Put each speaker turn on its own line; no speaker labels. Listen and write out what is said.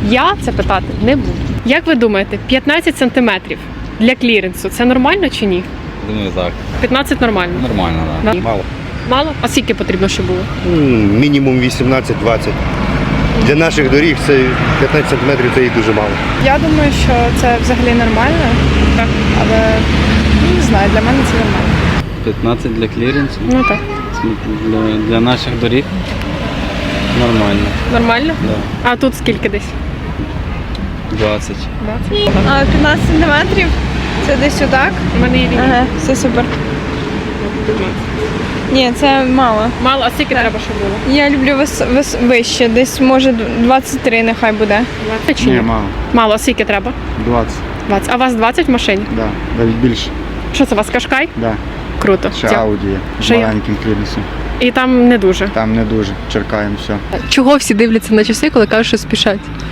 Я це питати не буду. Як ви думаєте, 15 сантиметрів для кліренсу це нормально чи ні?
Думаю, так.
15 нормально.
Нормально,
Да.
так.
Мало.
Мало? А скільки потрібно, щоб було?
Мінімум 18-20. Для наших доріг це 15 сантиметрів це і дуже мало.
Я думаю, що це взагалі нормально,
Так.
але не знаю, для мене це нормально.
15 для кліренсу.
Ну так.
Для наших доріг нормально.
Нормально?
Да.
А тут скільки десь?
20.
20?
А 15 сантиметрів це десь отак.
У мене є лінія.
Ага, все супер. Ні, це мало.
Мало, а скільки треба, щоб було?
Я люблю вище, десь може 23 нехай буде.
20 чи ні?
мало.
Мало, а скільки треба?
20,
20. А у вас 20 в машині?
да. Навіть більше,
Що це у вас, Кашкай?
да.
Круто.
Ще Ауді є з
Ще є?
маленьким кліренсом.
І там не дуже.
Там не дуже, черкаємо все.
Чого всі дивляться на часи, коли кажуть, що спішать?